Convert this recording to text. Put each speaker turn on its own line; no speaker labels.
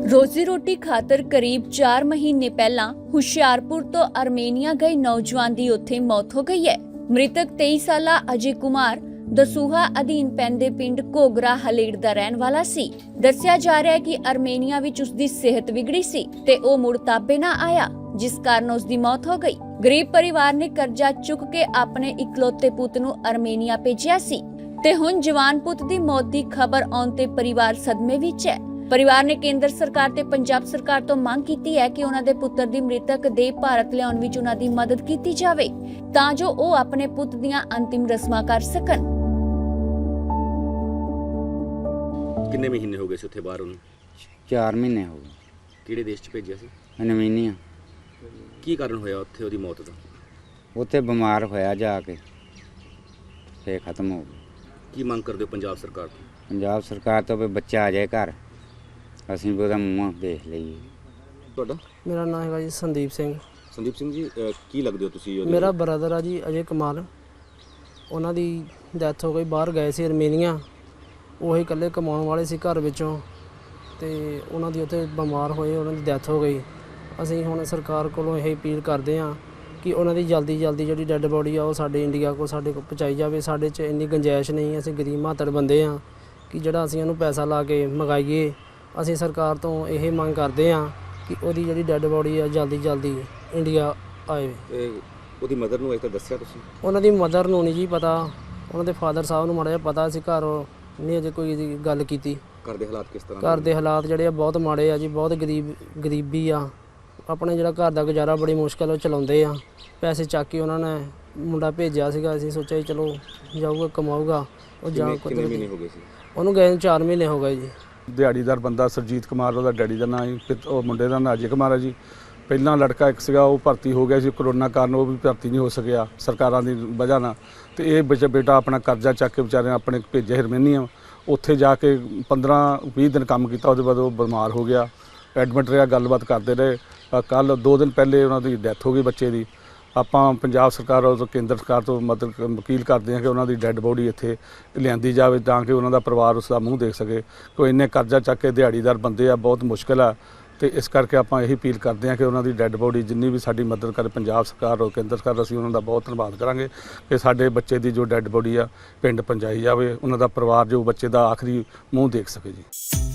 रोजी रोटी खातर करीब 4 महीने पहला हुशियारपुर तो आर्मेनिया गए नौजवान की उत्थे मौत हो गई है। मृतक 23 साला अजय कुमार दसूहा अधीन पैंदे पिंड घोगरा हलेड़ दा रहन वाला सी। दस्सिया जा रहा है कि आर्मेनिया विच उसदी सेहत बिगड़ी सी ते ओ मुड़ ताबे ना आया, जिस कारण उसदी मौत हो गई। गरीब परिवार ने कर्जा चुक के अपने इकलौते पुत नूं आर्मेनिया भेजिया सी ते हुण जवान पुत दी मौत दी खबर आउण ते परिवार सदमे विच है। परिवार ने केंद्र सरकार ते पंजाब सरकार तो मांग की है कि उन्हां दे पुत्तर दी मृतक देह भारत लियाउण विच उन्हां दी मदद की जावे तां जो ओ अपने पुत दीआं अंतिम रस्मां कर सकन।
किन्ने महीने हो गए सी उत्थे बाहर?
4 महीने हो गए।
किहड़े देश च भेजिया सी?
आर्मेनिया।
की कारण होया उत्थे ओदी मौत दा?
उत्थे बीमार होया जाके ते खत्म हो गया।
की मंग करदे हो पंजाब सरकार तो?
पंजाब सरकार तो भी बच्चा आ जाए घर, ਅਸੀਂ ਵੀ ਉਹਦਾ ਮੂੰਹ ਦੇਖ ਲਈਏ।
ਤੁਹਾਡਾ?
ਮੇਰਾ ਨਾਮ ਹੈਗਾ ਜੀ ਸੰਦੀਪ ਸਿੰਘ।
ਸੰਦੀਪ ਸਿੰਘ ਜੀ, ਕੀ ਲੱਗਦੇ ਹੋ ਤੁਸੀਂ?
ਮੇਰਾ ਬ੍ਰਦਰ ਆ ਜੀ ਅਜੇ ਕੁਮਾਰ। ਉਹਨਾਂ ਦੀ ਡੈਥ ਹੋ ਗਈ, ਬਾਹਰ ਗਏ ਸੀ ਆਰਮੇਨੀਆ। ਉਹੀ ਇਕੱਲੇ ਕਮਾਉਣ ਵਾਲੇ ਸੀ ਘਰ ਵਿੱਚੋਂ ਤੇ ਉਹਨਾਂ ਦੀ ਉੱਥੇ ਬਿਮਾਰ ਹੋਏ, ਉਹਨਾਂ ਦੀ ਡੈਥ ਹੋ ਗਈ। ਅਸੀਂ ਹੁਣ ਸਰਕਾਰ ਕੋਲੋਂ ਇਹ ਅਪੀਲ ਕਰਦੇ ਹਾਂ ਕਿ ਉਹਨਾਂ ਦੀ ਜਲਦੀ ਜਿਹੜੀ ਡੈੱਡ ਬੋਡੀ ਆ ਉਹ ਸਾਡੇ ਇੰਡੀਆ ਕੋਲ ਸਾਡੇ ਕੋਲ ਪਹੁੰਚਾਈ ਜਾਵੇ। ਸਾਡੇ 'ਚ ਇੰਨੀ ਗੁੰਜਾਇਸ਼ ਨਹੀਂ, ਅਸੀਂ ਗਰੀਬ ਮਾਤੜ ਬੰਦੇ ਹਾਂ ਕਿ ਜਿਹੜਾ ਅਸੀਂ ਉਹਨੂੰ ਪੈਸਾ ਲਾ ਕੇ ਮੰਗਾਈਏ। ਅਸੀਂ ਸਰਕਾਰ ਤੋਂ ਇਹ ਮੰਗ ਕਰਦੇ ਹਾਂ ਕਿ ਉਹਦੀ ਜਿਹੜੀ ਡੈੱਡ ਬੋਡੀ ਆ ਜਲਦੀ ਇੰਡੀਆ ਆਏ।
ਉਹਦੀ ਮਦਰ ਨੂੰ ਅਜੇ ਤੱਕ ਦੱਸਿਆ ਤੁਸੀਂ?
ਉਹਨਾਂ ਦੀ ਮਦਰ ਨੂੰ ਨਹੀਂ ਜੀ ਪਤਾ, ਉਹਨਾਂ ਦੇ ਫਾਦਰ ਸਾਹਿਬ ਨੂੰ ਮਾੜਾ ਜਿਹਾ ਪਤਾ ਸੀ, ਘਰ ਨਹੀਂ ਅਜੇ ਕੋਈ ਗੱਲ ਕੀਤੀ।
ਘਰ ਦੇ ਹਾਲਾਤ ਕਿਸ ਤਰ੍ਹਾਂ?
ਘਰ ਦੇ ਹਾਲਾਤ ਜਿਹੜੇ ਆ ਬਹੁਤ ਮਾੜੇ ਆ ਜੀ, ਬਹੁਤ ਗਰੀਬੀ ਆ। ਆਪਣੇ ਜਿਹੜਾ ਘਰ ਦਾ ਗੁਜ਼ਾਰਾ ਬੜੀ ਮੁਸ਼ਕਿਲ ਉਹ ਚਲਾਉਂਦੇ ਆ। ਪੈਸੇ ਚੱਕ ਕੇ ਉਹਨਾਂ ਨੇ ਮੁੰਡਾ ਭੇਜਿਆ ਸੀਗਾ, ਅਸੀਂ ਸੋਚਿਆ ਚਲੋ ਜਾਊਗਾ ਕਮਾਊਗਾ ਉਹ ਜਾਂ
ਕਿੰਨੇ ਮਹੀਨੇ ਹੋ ਗਏ ਸੀ
ਉਹਨੂੰ ਗਏ ਨੂੰ? 4 ਮਹੀਨੇ ਹੋ ਗਏ ਜੀ।
ਦਿਹਾੜੀਦਾਰ ਬੰਦਾ ਸਰਜੀਤ ਕੁਮਾਰ, ਉਹਦਾ ਡੈਡੀ ਦਾ ਨਾਂ ਜੀ, ਉਹ ਮੁੰਡੇ ਦਾ ਨਾਂ ਅਜੇ ਕੁਮਾਰ ਹੈ ਜੀ। ਪਹਿਲਾਂ ਲੜਕਾ ਇੱਕ ਸੀਗਾ ਉਹ ਭਰਤੀ ਹੋ ਗਿਆ ਸੀ, ਕਰੋਨਾ ਕਾਰਨ ਉਹ ਵੀ ਭਰਤੀ ਨਹੀਂ ਹੋ ਸਕਿਆ ਸਰਕਾਰਾਂ ਦੀ ਵਜ੍ਹਾ ਨਾਲ। ਤੇ ਇਹ ਬੇਟਾ ਆਪਣਾ ਕਰਜ਼ਾ ਚੱਕ ਕੇ ਵਿਚਾਰੇ ਆਪਣੇ ਭੇਜੇ ਆਰਮੇਨੀਆ। ਉੱਥੇ ਜਾ ਕੇ 15-20 ਦਿਨ ਕੰਮ ਕੀਤਾ, ਉਹਦੇ ਬਾਅਦ ਉਹ ਬਿਮਾਰ ਹੋ ਗਿਆ, ਐਡਮਿਟ ਰਿਹਾ। ਗੱਲਬਾਤ ਕਰਦੇ ਰਹੇ। ਕੱਲ੍ਹ 2 ਦਿਨ ਪਹਿਲੇ ਉਹਨਾਂ ਦੀ ਡੈਥ ਹੋ ਗਈ ਬੱਚੇ ਦੀ। ਆਪਾਂ ਪੰਜਾਬ ਸਰਕਾਰ ਔਰ ਕੇਂਦਰ ਸਰਕਾਰ ਤੋਂ ਮਦਦ ਵਕੀਲ ਕਰਦੇ ਹਾਂ ਕਿ ਉਹਨਾਂ ਦੀ ਡੈੱਡ ਬੋਡੀ ਇੱਥੇ ਲਿਆਂਦੀ ਜਾਵੇ ਤਾਂ ਕਿ ਉਹਨਾਂ ਦਾ ਪਰਿਵਾਰ ਉਸ ਦਾ ਮੂੰਹ ਦੇਖ ਸਕੇ। ਕੋਈ ਇੰਨੇ ਕਰਜ਼ਾ ਚੱਕ ਕੇ ਦਿਹਾੜੀਦਾਰ ਬੰਦੇ ਆ, ਬਹੁਤ ਮੁਸ਼ਕਿਲ ਆ। ਤੇ ਇਸ ਕਰਕੇ ਆਪਾਂ ਇਹੀ ਅਪੀਲ ਕਰਦੇ ਹਾਂ ਕਿ ਉਹਨਾਂ ਦੀ ਡੈੱਡ ਬੋਡੀ ਜਿੰਨੀ ਵੀ ਸਾਡੀ ਮਦਦ ਕਰੇ ਪੰਜਾਬ ਸਰਕਾਰ ਔਰ ਕੇਂਦਰ ਸਰਕਾਰ, ਅਸੀਂ ਉਹਨਾਂ ਦਾ ਬਹੁਤ ਧੰਨਵਾਦ ਕਰਾਂਗੇ ਕਿ ਸਾਡੇ ਬੱਚੇ ਦੀ ਜੋ ਡੈੱਡ ਬੋਡੀ ਆ ਪਿੰਡ ਪਹੁੰਚਾਈ ਜਾਵੇ, ਉਹਨਾਂ ਦਾ ਪਰਿਵਾਰ ਜੋ ਬੱਚੇ ਦਾ ਆਖਰੀ ਮੂੰਹ ਦੇਖ ਸਕੇ ਜੀ।